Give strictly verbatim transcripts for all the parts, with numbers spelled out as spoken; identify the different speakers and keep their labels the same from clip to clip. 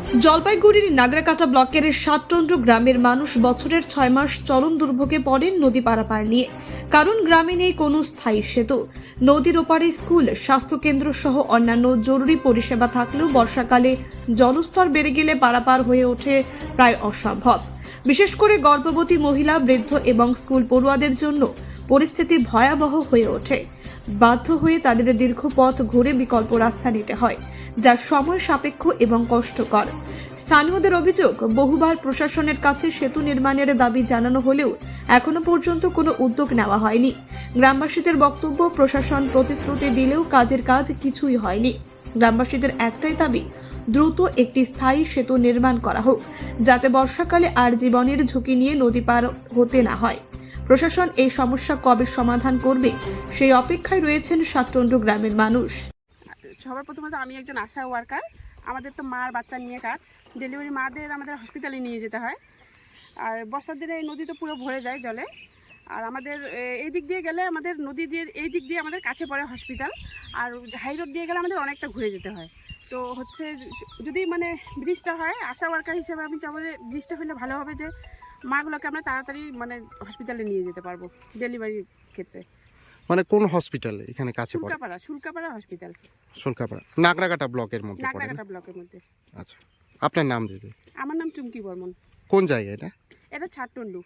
Speaker 1: জলপাইগুড়ির নাগরাকাটা ব্লকের সাতটন্ড গ্রামের মানুষ বছরের ছয় মাস চরম দুর্ভোগে পড়েন নদী পারাপার নিয়ে। কারণ গ্রামে নেই কোনো স্থায়ী সেতু। নদীর ওপারে স্কুল, স্বাস্থ্যকেন্দ্র সহ অন্যান্য জরুরি পরিষেবা থাকলেও বর্ষাকালে জলস্তর বেড়ে গেলে পারাপার হয়ে ওঠে প্রায় অসম্ভব। বিশেষ করে গর্ভবতী মহিলা, বৃদ্ধ এবং স্কুল পড়ুয়াদের জন্য পরিস্থিতি ভয়াবহ হয়ে ওঠে। বাধ্য হয়ে তাদের দীর্ঘ পথ ঘুরে বিকল্প রাস্তা নিতে হয়, যা সময় সাপেক্ষ এবং কষ্টকর। স্থানীয়দের অভিযোগ, বহুবার প্রশাসনের কাছে সেতু নির্মাণের দাবি জানানো হলেও এখনো পর্যন্ত কোনো উদ্যোগ নেওয়া হয়নি। গ্রামবাসীদের বক্তব্য, প্রশাসন প্রতিশ্রুতি দিলেও কাজের কাজ কিছুই হয়নি। গ্রামবাসীদের একটাই দাবি, দ্রুত একটি স্থায়ী সেতু নির্মাণ করা হোক, যাতে বর্ষাকালে আর জীবনের ঝুঁকি নিয়ে নদী পার হতে না হয়। প্রশাসন এই সমস্যা কবে সমাধান করবে সেই অপেক্ষায় রয়েছেন সাতটন্ড গ্রামের মানুষ।
Speaker 2: সবার প্রথমত আমি একজন আশা ওয়ার্কার। আমাদের তো মার বাচ্চা নিয়ে কাজ, ডেলিভারি মাদের আমাদের হসপিটালে নিয়ে যেতে হয়। আর বর্ষার দিনে এই নদী তো পুরো ভরে যায় জলে। আর আমাদের এই দিক দিয়ে গেলে আমাদের নদী দিয়ে এই দিক দিয়ে আমাদের কাছে পড়ে হসপিটাল, আর হাই রোড দিয়ে গেলে আমাদের অনেকটা ঘুরে যেতে হয়। তো হচ্ছে যদি মানে ব্রিজটা হয়, আশা ওয়ার্কার হিসেবে আমি চাবো যে ব্রিজটা হলে ভালো হবে, যে মাগুলোকে আমরা তাড়াতাড়ি মানে হসপিটালে নিয়ে যেতে পারবো ডেলিভারির ক্ষেত্রে।
Speaker 3: মানে কোন হসপিটালে এখানে কাছে পড়ে?
Speaker 2: শুল্কাপাড়া শুল্কাপাড়া হসপিটাল,
Speaker 3: শুল্কাপাড়া নাগরাকাটা ব্লকের মধ্যে পড়ে।
Speaker 2: নাগরাকাটা ব্লকের মধ্যে।
Speaker 3: আচ্ছা, আপনার নাম দিদি?
Speaker 2: আমার নাম চুমকি বর্মন।
Speaker 3: কোন জায়গা এটা?
Speaker 2: এটা ছাটটন্ডু।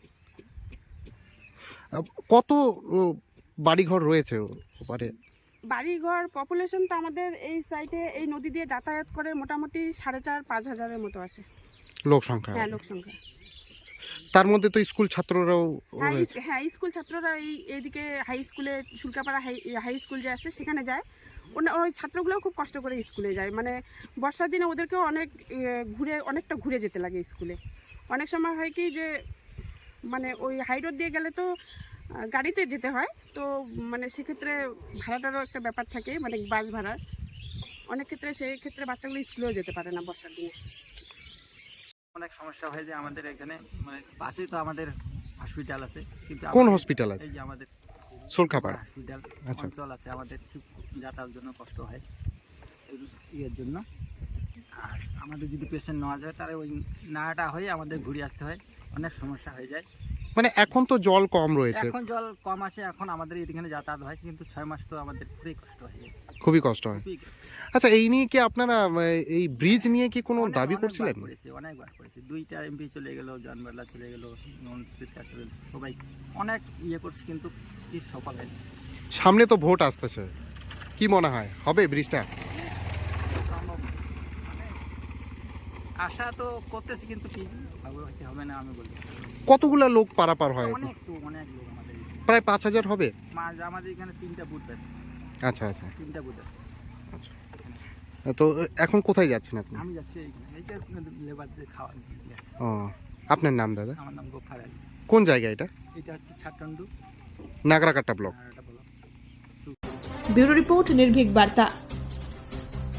Speaker 3: কত বাড়িঘর রয়েছে ওপারে?
Speaker 2: বাড়িঘর পপুলেশন তো আমাদের এই সাইডে এই নদী দিয়ে যাতায়াত করে মোটামুটি সাড়ে চার পাঁচ হাজারের মতো আসে
Speaker 3: লোক সংখ্যা।
Speaker 2: হ্যাঁ, লোক সংখ্যা।
Speaker 3: তার মধ্যে তো স্কুল ছাত্ররাও
Speaker 2: হ্যাঁ
Speaker 3: রয়েছে।
Speaker 2: হ্যাঁ স্কুল ছাত্ররা এই এইদিকে হাই স্কুলে, শুল্কাপাড়া হাই হাই স্কুল যে আছে সেখানে যায়। ওই ছাত্রগুলোও খুব কষ্ট করে স্কুলে যায়। মানে বর্ষার দিনে ওদেরকেও অনেক ঘুরে অনেকটা ঘুরে যেতে লাগে স্কুলে। অনেক সময় হয় কি যে মানে ওই হাই রোড দিয়ে গেলে তো গাড়িতে যেতে হয়, তো মানে সেক্ষেত্রে ভাড়াটারও একটা ব্যাপার থাকে, মানে বাস ভাড়া। অনেক ক্ষেত্রে সেই ক্ষেত্রে বাচ্চাগুলো স্কুলেও যেতে পারে না বর্ষার দিনে।
Speaker 4: অনেক সমস্যা হয় যে আমাদের এখানে মানে পাশেই তো আমাদের হসপিটাল আছে, কিন্তু
Speaker 3: কোন হসপিটাল আছে?
Speaker 4: এই যে আমাদের
Speaker 3: শুল্কাপাড়া
Speaker 4: হসপিটাল
Speaker 3: আচ্ছা।
Speaker 4: অঞ্চল আছে, আমাদের খুব যাতায়াতের জন্য কষ্ট হয় ইয়ের জন্য। আর আমাদের যদি পেশেন্ট নেওয়া যায় তাহলে ওই নাটা হয়ে আমাদের ঘুরে আসতে হয়, অনেক সমস্যা হয়ে যায়।
Speaker 3: মানে এখন তো জল কম রয়েছে।
Speaker 4: এখন জল কম আছে, এখন আমাদের এখানে যাতায়াত হয়, কিন্তু ছয় মাস তো আমাদের খুবই কষ্ট হয়ে যায়,
Speaker 3: খুবই কষ্ট হয়।
Speaker 4: খুবই কষ্ট।
Speaker 3: আচ্ছা, এই নিয়ে কি আপনারা এই ব্রিজ নিয়ে কি কোনো
Speaker 4: অনেক-
Speaker 3: দাবি
Speaker 4: অনেকবার
Speaker 3: করছিলেন?
Speaker 4: করেছি, অনেকবার করেছি। দুইটা এমপি চলে গেল, জনবেলা চলে গেল, সবাই অনেক ইয়ে করছে, কিন্তু কি সফল হয়নি।
Speaker 3: সামনে তো ভোট আসতেছে, কি মনে হয় হবে ব্রিজটা?
Speaker 4: সম্ভব না। মানে আশা তো করতেছি, কিন্তু কি হবে কি হবে না আমি বলি।
Speaker 3: কতগুলা লোক পারাপার হয়?
Speaker 4: অনেক তো অনেক লোক আমাদের এখানে।
Speaker 3: প্রায় পাঁচ হাজার হবে।
Speaker 4: মা- আমাদের এখানে তিনটা বুথ আছে,
Speaker 3: আচ্ছা আচ্ছা
Speaker 4: তিনটা বুথ আছে।
Speaker 3: আচ্ছা। তো এখন কোথায় যাচ্ছেন আপনি?
Speaker 4: আমি যাচ্ছি এইখানে, এইটা লেবারদের খাওয়া নিয়ে আসছি।
Speaker 3: ও, আপনার নাম দাদা?
Speaker 4: আমার নাম গোফার আলী।
Speaker 3: কোন জায়গা এটা?
Speaker 4: এটা হচ্ছে ছাটন্ডু
Speaker 3: নাগরাকাটা ব্লক।
Speaker 4: আর এটা বলো।
Speaker 1: ব্যুরো রিপোর্ট, নির্ভীক বার্তা।